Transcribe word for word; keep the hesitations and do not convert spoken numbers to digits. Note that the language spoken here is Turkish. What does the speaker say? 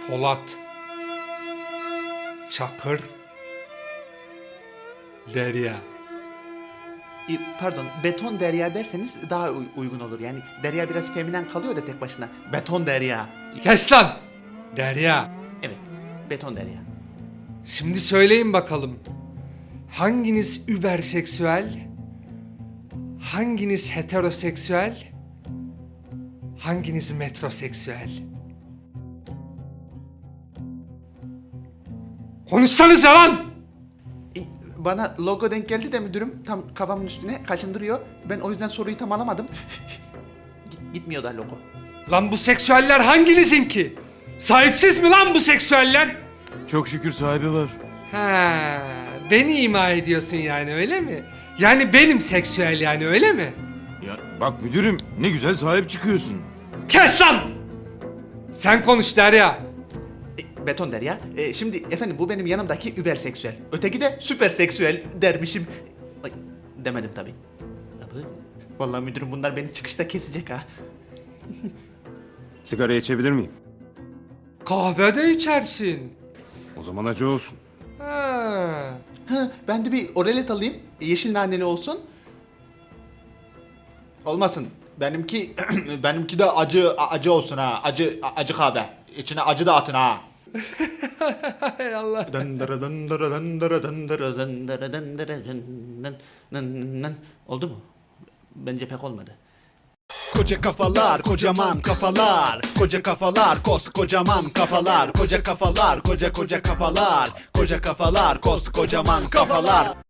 Polat, Çakır, Derya. E, Pardon, beton derya derseniz daha uy- uygun olur. Yani derya biraz feminen kalıyor da tek başına. Beton derya. Kes lan! Derya. Evet, beton derya. Şimdi söyleyin bakalım. Hanginiz überseksüel? Hanginiz heteroseksüel? Hanginiz metroseksüel? Konuşsanıza lan! E, Bana logo denk geldi de müdürüm tam kafamın üstüne kaşındırıyor. Ben o yüzden soruyu tam alamadım. Git- Gitmiyor da logo. Lan bu seksüeller hanginizin ki? Sahipsiz mi lan bu seksüeller? Çok şükür sahibi var. Ha, beni ima ediyorsun yani öyle mi? Yani benim seksüel yani öyle mi? Ya bak müdürüm ne güzel sahip çıkıyorsun. Kes lan! Sen konuş Derya. E, beton derya. E, şimdi efendim bu benim yanımdaki überseksüel. Öteki de süperseksüel dermişim. Ay, demedim tabii. Tabii. Vallahi müdürüm bunlar beni çıkışta kesecek ha. Sigara içebilir miyim? Kahve de içersin. O zaman acı olsun. Ha. Ha, ben de bir oralet alayım. Yeşil naneli olsun. Olmasın. Benimki benimki de acı acı olsun ha. Acı acı kahve. İçine acı da atın ha. Hay Allah. Dındırı dındırı dındırı dındırı dındırı dındırı dındırı dındırı. Oldu mu? Bence pek olmadı. Koca kafalar, kocaman kafalar. Koca kafalar, koskocaman kafalar. Koca kafalar, koca koca kafalar. Koca kafalar, koskocaman kafalar.